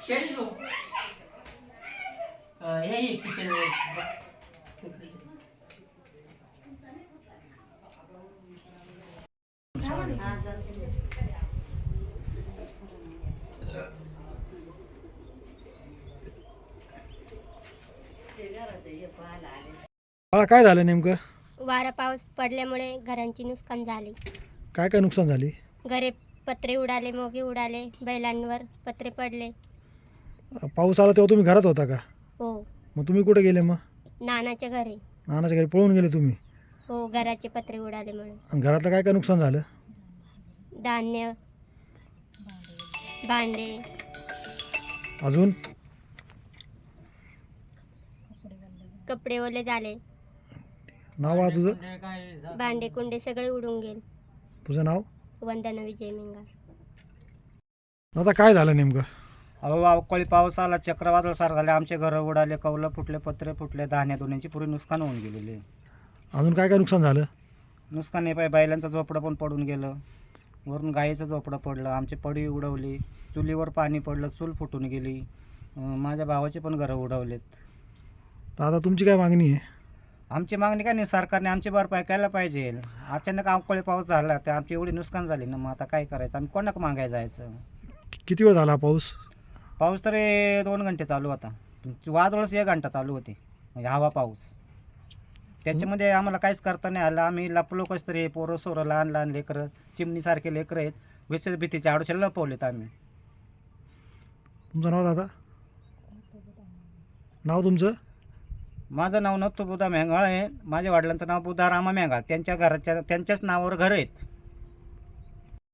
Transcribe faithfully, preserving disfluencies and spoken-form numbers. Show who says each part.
Speaker 1: शेळी लो हे ये किचन
Speaker 2: बाळा काय झालं नेमकं?
Speaker 3: वारा पाऊस पडल्यामुळे घरांची नुकसान झाली.
Speaker 2: काय काय नुकसान झाली?
Speaker 3: घरे पत्रे उडाले, मोगे उडाले, बैलांवर पत्रे पडले.
Speaker 2: पाऊस आला तेव्हा तुम्ही घरात होता का?
Speaker 3: हो.
Speaker 2: मग तुम्ही कुठे गेले? मग
Speaker 3: नानाच्या घरी.
Speaker 2: नानाच्या घरी पळून गेले तुम्ही?
Speaker 3: हो, घराचे पत्रे उडाले म्हणून.
Speaker 2: आणि घरातलं काय काय नुकसान झालं?
Speaker 3: धान्य, भांडे,
Speaker 2: अजून
Speaker 3: कपडे ओले झाले.
Speaker 2: नाव बाळा तुझं?
Speaker 3: भांडे कुंडे सगळे उडून गेले.
Speaker 2: तुझं नाव?
Speaker 3: वंदना विजय मिंगा.
Speaker 2: दादा काय झालं नेमकं?
Speaker 4: अहो अवकाळी पाऊस आला, चक्रवादळ सारखं झाले, आमचे घरं उडाले, कौलं फुटले, पत्रे फुटले, धान्य धुण्याची पुरी नुकसान होऊन गेलेले.
Speaker 2: अजून काय काय नुकसान झालं?
Speaker 4: नुकसान नाही पाहिजे, बैलांचं झोपडं पण पडून गेलं, वरून गाईचं झोपडं पडलं, आमची पडी उडवली, चुलीवर पाणी पडलं, चूल फुटून गेली, अं, माझ्या भावाचे पण घरं उडवलेत.
Speaker 2: दादा तुमची काय मागणी आहे?
Speaker 4: आमची मागणी काय नाही, सरकारने आमची भरपाई करायला पाहिजे. अचानक अवकाळी पाऊस झाला तर आमची एवढी नुकसान झाली ना, मग आता काय करायचं आणि कोणाक मागायला जायचं?
Speaker 2: किती वेळ झाला हा पाऊस?
Speaker 4: पाऊस तरी दोन घंटे चालू होता, वादळच एक घंटा चालू होते, म्हणजे हवा पाऊस. त्याच्यामध्ये आम्हाला काहीच करता नाही आलं. आम्ही लपलो कसं तरी, पोरं सोरं लहान लहान लेकरं, चिमणीसारखे लेकरं आहेत, विचार भीतीच्या आडोशाला लपवलेत आम्ही.
Speaker 2: तुमचं नाव दादा? नाव तुमचं?
Speaker 4: माझं नाव नव्हतं बुधा मेंगाळ आहे, माझ्या वडिलांचं नाव बुधा रामा मेंगाळ. त्यांच्या घराच्या त्यांच्याच नावावर घर आहेत.